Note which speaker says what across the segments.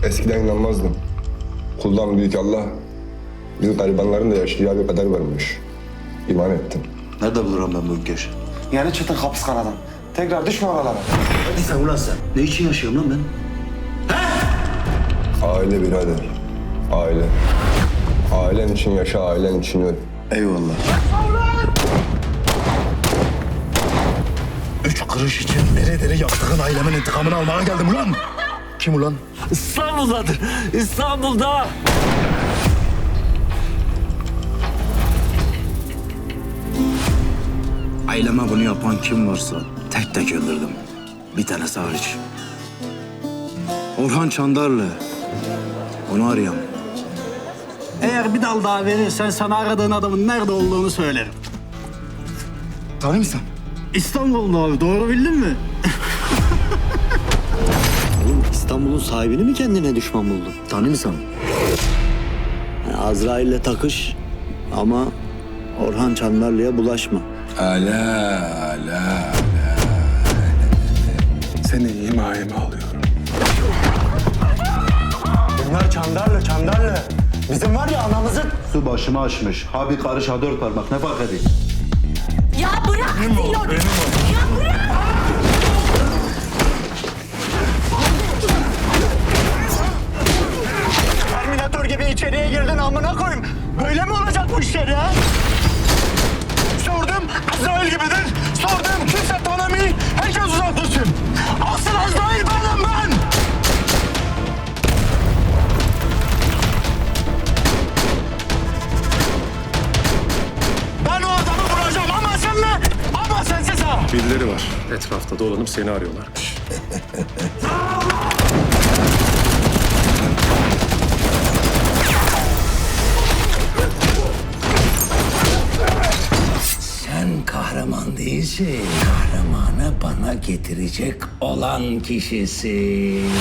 Speaker 1: Eskiden inanmazdım. Kuldan büyük Allah, biz garibanların da yaşayacağı bir kader varmış. İman ettim.
Speaker 2: Nerede bulurum ben bu ülkeş?
Speaker 3: Yeni çıktın kapıs kanadan. Tekrar düşme oralara.
Speaker 2: Hadi sen ulan sen. Ne için yaşıyorum lan ben?
Speaker 1: Aile birader, aile. Ailen için yaşa, ailen için öl.
Speaker 2: Eyvallah.
Speaker 4: 3 kuruş için dere dere yaptığın ailemin intikamını almaya geldim ulan. Kim ulan?
Speaker 5: İstanbul'dadır. İstanbul'da.
Speaker 4: Aileme bunu yapan kim varsa tek tek öldürdüm. Bir tanesi hariç. Orhan Çandarlı. Onu arayayım.
Speaker 6: Eğer bir dal daha verirsen sana aradığın adamın nerede olduğunu söylerim.
Speaker 4: Tanıyor musun?
Speaker 6: İstanbul'da abi, doğru bildin mi?
Speaker 5: Oğlum İstanbul'un sahibini mi kendine düşman buldun?
Speaker 4: Tanıyor musun?
Speaker 5: Yani Azrail'le takış ama Orhan Çandarlı'ya bulaşma.
Speaker 4: Ala. Seni himayeme alıyorum.
Speaker 3: Bunlar Çandarlı. Bizim var ya anamızın...
Speaker 2: Su başımı açmış. Ha bir karış ha 4 parmak. Ne fark edeyim?
Speaker 7: Ya bırak diyorum. Ya bırak.
Speaker 3: Terminator gibi içeriye girdin amına koyayım. Böyle mi olacak bu işler ya? Sordum Azrail gibidir. Sordum kimse tanımıyor. Herkes uzak dursun. Asıl Azrail benim ben. Ben o adamı vuracağım ama senle. Ama sensiz ha.
Speaker 8: Birileri var. Etrafta dolanıp seni arıyorlar.
Speaker 9: Sen kahraman değilsin. Kahramanı bana getirecek olan kişisin.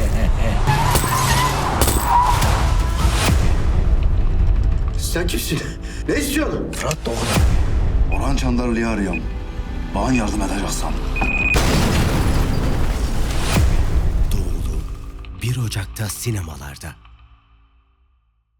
Speaker 2: Sen kimsin? Ne istiyorsun?
Speaker 4: Fırat Doğru. Orhan Çandarlı'yı arıyorum. Bana yardım edeceksin.
Speaker 10: 1 Ocak'ta sinemalarda.